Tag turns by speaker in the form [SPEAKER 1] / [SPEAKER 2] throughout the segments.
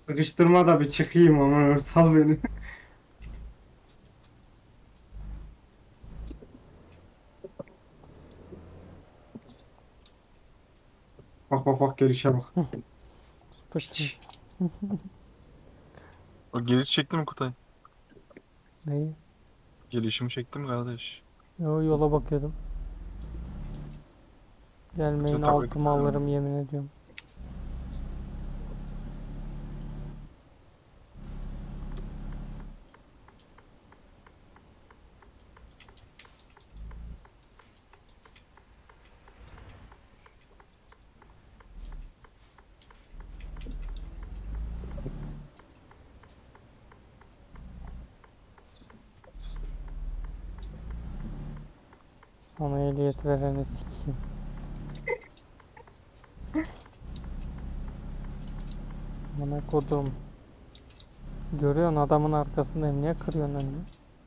[SPEAKER 1] Sıkıştırma da bir çıkayım ama sal beni. Bak bak bak gelişe bak.
[SPEAKER 2] Süpersin.
[SPEAKER 1] Piç.
[SPEAKER 3] O geliş çekti mi Kutay?
[SPEAKER 2] Neyi?
[SPEAKER 3] Gelişimi çekti mi kardeş?
[SPEAKER 2] Yo, yola bakıyordum.
[SPEAKER 3] Bize
[SPEAKER 2] Gelmeyin,
[SPEAKER 3] tak
[SPEAKER 2] altıma alırım yemin ediyorum. Sana ehliyet vereni sikeyim. Bana kodum. Görüyorsun adamın arkasındayım. Niye kırıyorsun önünü?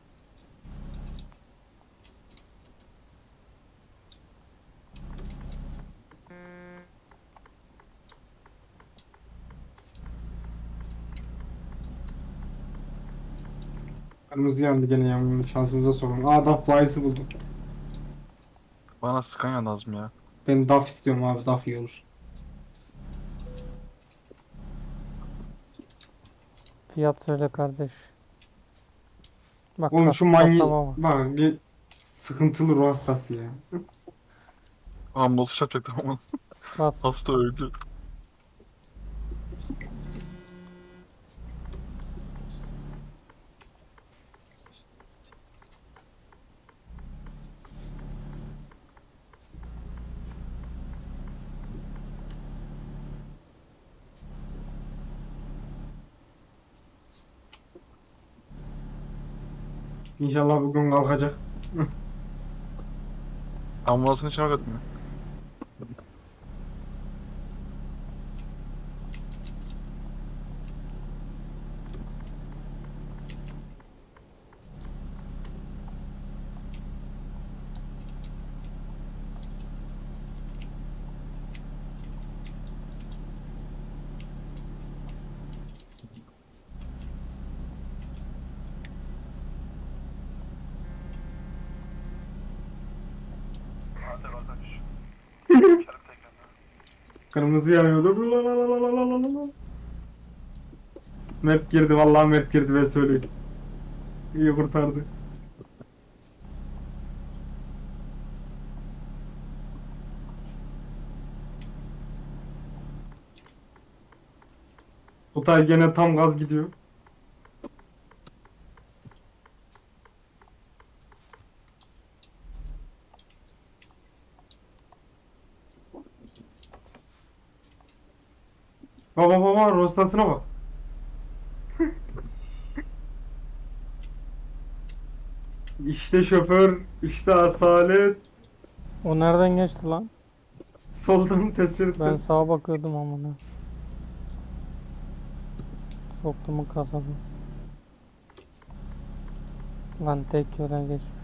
[SPEAKER 1] Kırmızı yandı gene yağmurun şansımıza sorun. Aa DAF bayisi buldum.
[SPEAKER 3] Bana Scania lazım ya.
[SPEAKER 1] Ben DAF istiyorum abi DAF iyi olur.
[SPEAKER 2] Fiyat söyle kardeş. Bak
[SPEAKER 1] Oğlum
[SPEAKER 2] bak
[SPEAKER 1] şu manyi
[SPEAKER 2] kasama bak.
[SPEAKER 1] bak bir sıkıntılı ruh hastası ya.
[SPEAKER 3] Ambulans çarpacaktım ama
[SPEAKER 2] Bas.
[SPEAKER 3] hasta öldü.
[SPEAKER 1] İnşallah bugün kalkacak.
[SPEAKER 3] Ambulansın içine bak atmıyor.
[SPEAKER 1] Kırmızı yanıyordu. La la la la la la la la. Mert girdi vallahi Mert girdi ben söyleyeyim. İyi kurtardı. Kutay gene tam gaz gidiyor. Baba baba rostasına bak. İşte şoför, işte asalet.
[SPEAKER 2] O nereden geçti lan?
[SPEAKER 1] Soldan ters
[SPEAKER 2] Ben
[SPEAKER 1] şeritten.
[SPEAKER 2] sağa bakıyordum amına. Soktu mu kasabı? Lan tek yöne geçmiş.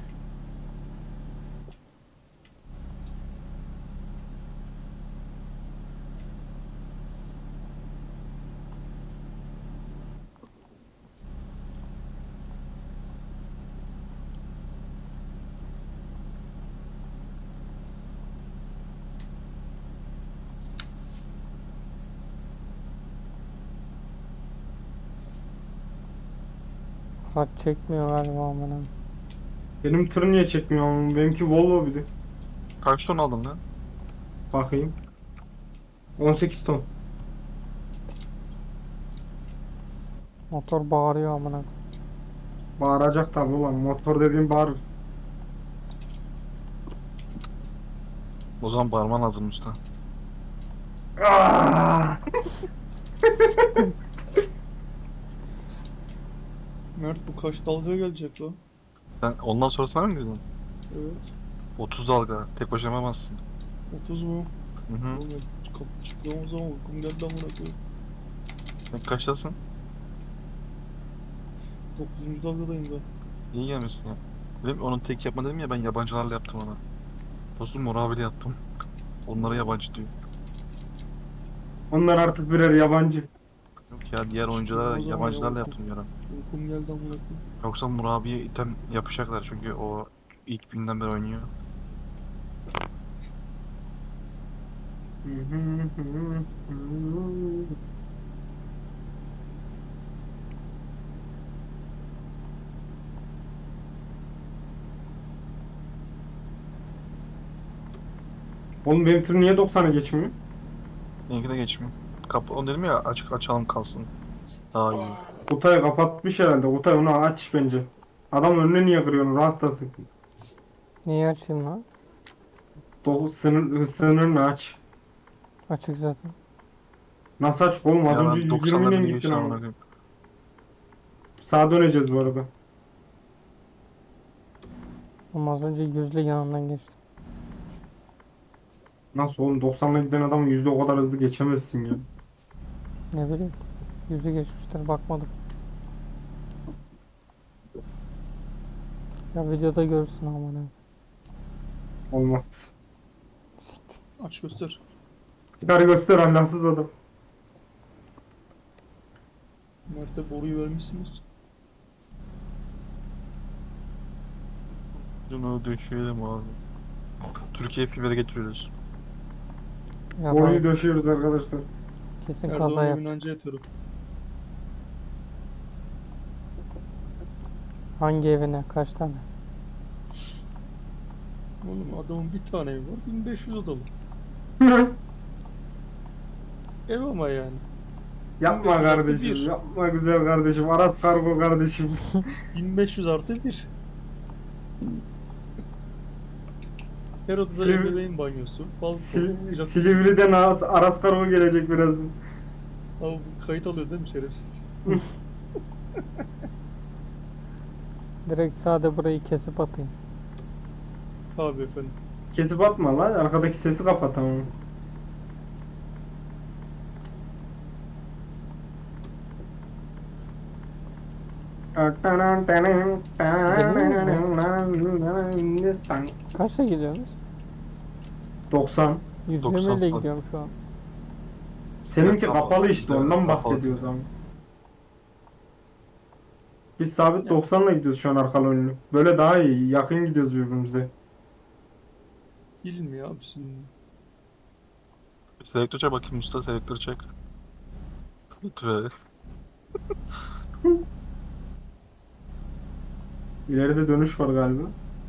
[SPEAKER 2] Hat çekmiyor galiba amına.
[SPEAKER 1] Benim tır niye çekmiyor ama benimki Volvo bir de.
[SPEAKER 3] Kaç ton aldın lan?
[SPEAKER 1] Bakayım. 18 ton.
[SPEAKER 2] Motor bağırıyor amına.
[SPEAKER 1] Bağıracak tabi ulan. Motor dediğim bağırır.
[SPEAKER 3] O zaman barman lazım usta.
[SPEAKER 1] Ah!
[SPEAKER 4] Mert bu kaç dalga gelecek lan?
[SPEAKER 3] Sen ondan sonra sana mı girdin?
[SPEAKER 4] Evet.
[SPEAKER 3] 30 dalga. Tek başına yapamazsın.
[SPEAKER 4] 30 mu?
[SPEAKER 3] Hı hı.
[SPEAKER 4] Oğlum ben kapı çıktığım zaman uykum geldi amına koyayım.
[SPEAKER 3] Sen kaçtasın?
[SPEAKER 4] 9. dalgadayım da.
[SPEAKER 3] İyi gelmişsin ya. Dedim onun tek yapma dedim ya ben yabancılarla yaptım ona. Dostum Mor abiyle yaptım. Onlara yabancı diyor.
[SPEAKER 1] Onlar artık birer yabancı.
[SPEAKER 3] Yok ya. Diğer oyunculara
[SPEAKER 4] O zaman
[SPEAKER 3] yabancılarla
[SPEAKER 4] ya,
[SPEAKER 3] yaptım diyorum.
[SPEAKER 4] Uykum geldi amına koyayım.
[SPEAKER 3] Yoksa Murabi'ye item yapacaklar çünkü o ilk günden beri oynuyor.
[SPEAKER 1] Oğlum benim tır niye 90'a geçmiyor?
[SPEAKER 3] Benimki de geçmiyor. Onu dedim ya, açık açalım kalsın. Daha iyi.
[SPEAKER 1] Kutayı kapatmış herhalde. Kutay onu aç bence. Adam önüne niye kırıyorsun? Rastası.
[SPEAKER 2] Niye açayım lan?
[SPEAKER 1] Sınırını aç.
[SPEAKER 2] Açık zaten.
[SPEAKER 1] Nasıl açık oğlum? Az
[SPEAKER 3] Ya
[SPEAKER 1] önce
[SPEAKER 3] ben
[SPEAKER 1] 120 ile
[SPEAKER 3] 90'ların
[SPEAKER 1] gittin
[SPEAKER 3] geçti amına
[SPEAKER 1] ama.
[SPEAKER 3] koyayım.
[SPEAKER 1] Sağa döneceğiz bu arada.
[SPEAKER 2] Ama az önce yüzle yanından geçti.
[SPEAKER 1] Nasıl oğlum? 90'la giden adamın yüzde o kadar hızlı geçemezsin ya.
[SPEAKER 2] Ne bileyim. Yüzü geçmiştir bakmadım. Ya videoda görürsün amına.
[SPEAKER 1] Olmaz.
[SPEAKER 4] Aç göster.
[SPEAKER 1] Çıkar göster Allahsız adam.
[SPEAKER 4] Mert'e boruyu vermişsiniz.
[SPEAKER 3] Bunu düşürelim abi. Türkiye fibere getiriyoruz.
[SPEAKER 2] Ya
[SPEAKER 1] Boruyu
[SPEAKER 2] ben
[SPEAKER 1] döşüyoruz arkadaşlar.
[SPEAKER 2] kesin kaza
[SPEAKER 4] Erdoğan evin
[SPEAKER 2] yapacak.
[SPEAKER 4] anca yatarım.
[SPEAKER 2] Hangi evine? Kaç tane?
[SPEAKER 4] Oğlum adamın bir tane evi var. 1500 odalı. Ev ama yani.
[SPEAKER 1] Yapma
[SPEAKER 4] 1500 artı
[SPEAKER 1] kardeşim,
[SPEAKER 4] bir.
[SPEAKER 1] yapma güzel kardeşim. Aras Kargo kardeşim.
[SPEAKER 4] 1500 artı 1. Her odada
[SPEAKER 1] Silivri-
[SPEAKER 4] ebeveyn banyosu. Balkon. jacuzzi.
[SPEAKER 1] Silivri'den Aras Kargo gelecek birazdan.
[SPEAKER 4] Abi bu kayıt alıyor değil mi şerefsiz?
[SPEAKER 2] Direkt sade burayı kesip atayım.
[SPEAKER 4] Tabii efendim.
[SPEAKER 1] Kesip atma lan, arkadaki sesi kapat tamam.
[SPEAKER 2] Kaçla gidiyorsunuz?
[SPEAKER 1] 90.
[SPEAKER 2] 120 ile
[SPEAKER 3] 90.
[SPEAKER 2] gidiyorum şu an.
[SPEAKER 1] Seninki
[SPEAKER 3] Evet,
[SPEAKER 1] kapalı işte,
[SPEAKER 3] evet,
[SPEAKER 1] ondan
[SPEAKER 3] kapalı.
[SPEAKER 1] bahsediyoruz ama. Biz sabit 90'la gidiyoruz şu an arkalı önlü. Böyle daha iyi, yakın gidiyoruz birbirimize.
[SPEAKER 4] Bilmiyor abi bilmiyor.
[SPEAKER 3] Selektör çek bakayım usta, selektör çek. Lütfen.
[SPEAKER 1] İleride dönüş var galiba.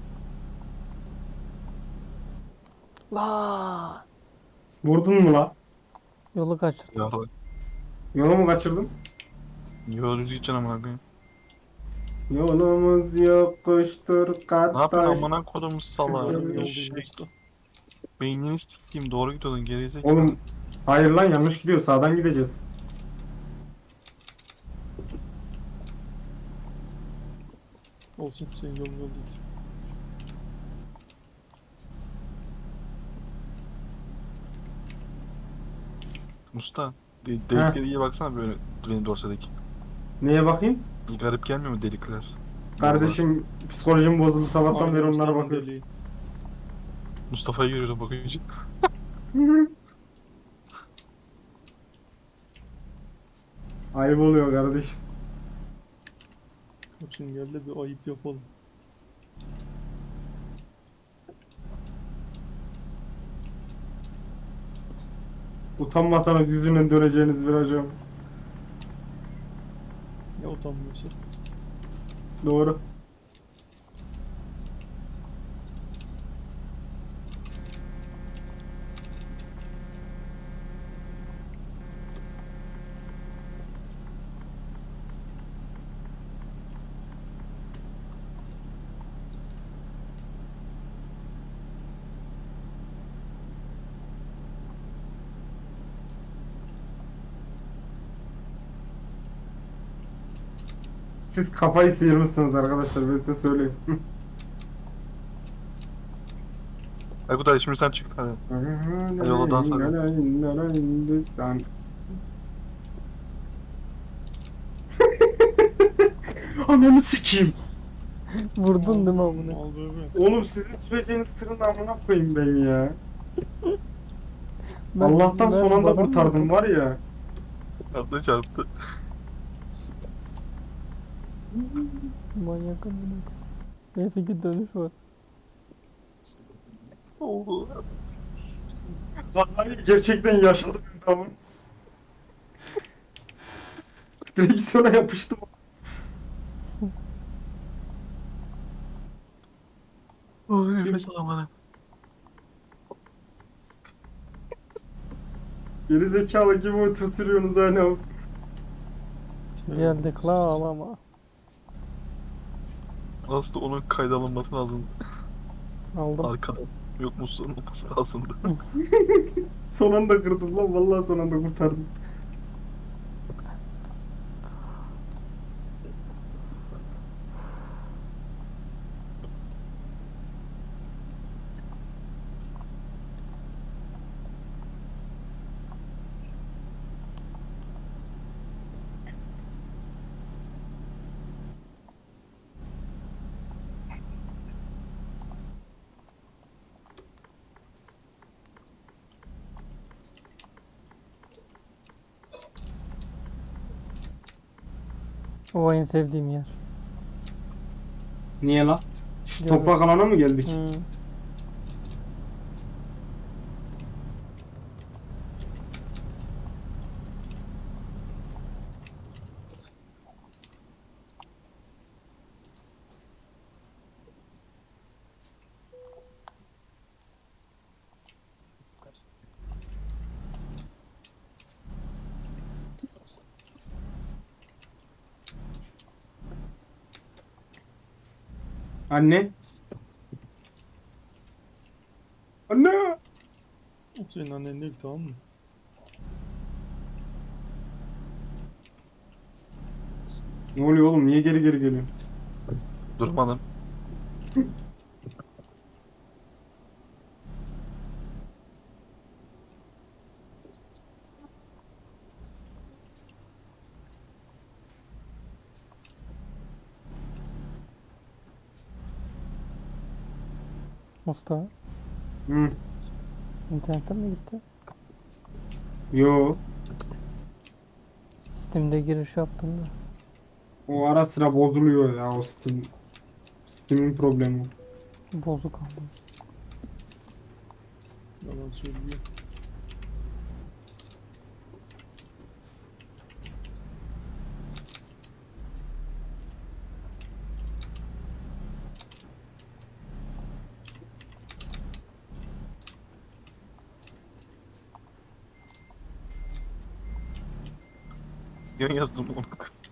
[SPEAKER 2] La
[SPEAKER 1] Vurdun mu la?
[SPEAKER 2] yolu kaçırdım.
[SPEAKER 3] Ya
[SPEAKER 1] Yolu mu kaçırdın?
[SPEAKER 3] yolcu gideceksin amına koyayım.
[SPEAKER 1] Yolumuz yokuştur
[SPEAKER 3] Ne yapıyorsun
[SPEAKER 1] kardeş.
[SPEAKER 3] amına kodumu sala?
[SPEAKER 4] Yarım
[SPEAKER 1] Şey,
[SPEAKER 4] yoldayım
[SPEAKER 3] Eşek.
[SPEAKER 4] usta.
[SPEAKER 3] Beynini sikeyim, doğru gidiyordun gerizekalı.
[SPEAKER 1] Oğlum hayır lan, yanlış gidiyor, sağdan gideceğiz.
[SPEAKER 4] Olsun senin yolun yol değil.
[SPEAKER 3] Usta, deliklere iyi baksana böyle benim dorsadaki.
[SPEAKER 1] Neye bakayım?
[SPEAKER 3] Garip gelmiyor mu delikler?
[SPEAKER 1] Kardeşim psikolojim bozuldu, sabahtan
[SPEAKER 4] Abi
[SPEAKER 1] beri onlara
[SPEAKER 4] gösterdim
[SPEAKER 1] bakıyorum.
[SPEAKER 4] deliği.
[SPEAKER 3] Mustafa'yı görüyorum bakınca.
[SPEAKER 1] Ayıp oluyor kardeşim.
[SPEAKER 4] Şimdi gel de bir ayıp yapalım.
[SPEAKER 1] Utanmasanız yüzünden döneceğiniz virajı.
[SPEAKER 4] Ne utanmıyorsa.
[SPEAKER 1] Doğru. Siz kafayı sıyırmışsınız arkadaşlar, ben size söyleyeyim.
[SPEAKER 3] Aykut abi şimdi sen çık hadi. Yola dans
[SPEAKER 1] Hindistan. Ananı sikeyim.
[SPEAKER 2] Vurdun değil mi amına?
[SPEAKER 4] Al böyle.
[SPEAKER 1] Oğlum sizin süreceğiniz tırın amına koyayım ben ya.
[SPEAKER 2] Ben-
[SPEAKER 1] Allah'tan
[SPEAKER 2] ben
[SPEAKER 1] son anda
[SPEAKER 2] bana mı
[SPEAKER 1] kurtardım
[SPEAKER 2] vurdun?
[SPEAKER 1] var ya.
[SPEAKER 3] Arda çarptı.
[SPEAKER 2] Manyak amına. Neyse ki dönüş var.
[SPEAKER 3] Oldu.
[SPEAKER 1] Vallahi gerçekten yaşadım tamam. Direksiyona yapıştım.
[SPEAKER 3] Oy nefes alamadım.
[SPEAKER 1] Geri zekalı gibi otur sürüyorsunuz hala.
[SPEAKER 2] Geldik la ağlama.
[SPEAKER 3] Aslında onun kayda alınması lazım.
[SPEAKER 2] Aldım.
[SPEAKER 3] Arkada. Yok musluğun olması lazımdı.
[SPEAKER 1] Son anda kırdım lan vallahi son anda kurtardım.
[SPEAKER 2] O en sevdiğim yer.
[SPEAKER 1] Niye lan? Şu
[SPEAKER 2] Görürüz.
[SPEAKER 1] toprak alana mı geldik?
[SPEAKER 2] Hmm.
[SPEAKER 1] Anne. Anne.
[SPEAKER 4] O senin annen değil, tamam mı?
[SPEAKER 1] Ne oluyor oğlum? Niye geri geri geliyor?
[SPEAKER 3] Durmadım.
[SPEAKER 2] Mustafa.
[SPEAKER 1] Hı.
[SPEAKER 2] İnternetten mi gitti?
[SPEAKER 1] Yo.
[SPEAKER 2] Steam'de giriş yaptım da.
[SPEAKER 1] O ara sıra bozuluyor ya o Steam. Steam'in problemi.
[SPEAKER 2] Bozuk aldım.
[SPEAKER 4] Yalan söylüyor.
[SPEAKER 3] Yan yazdım onu.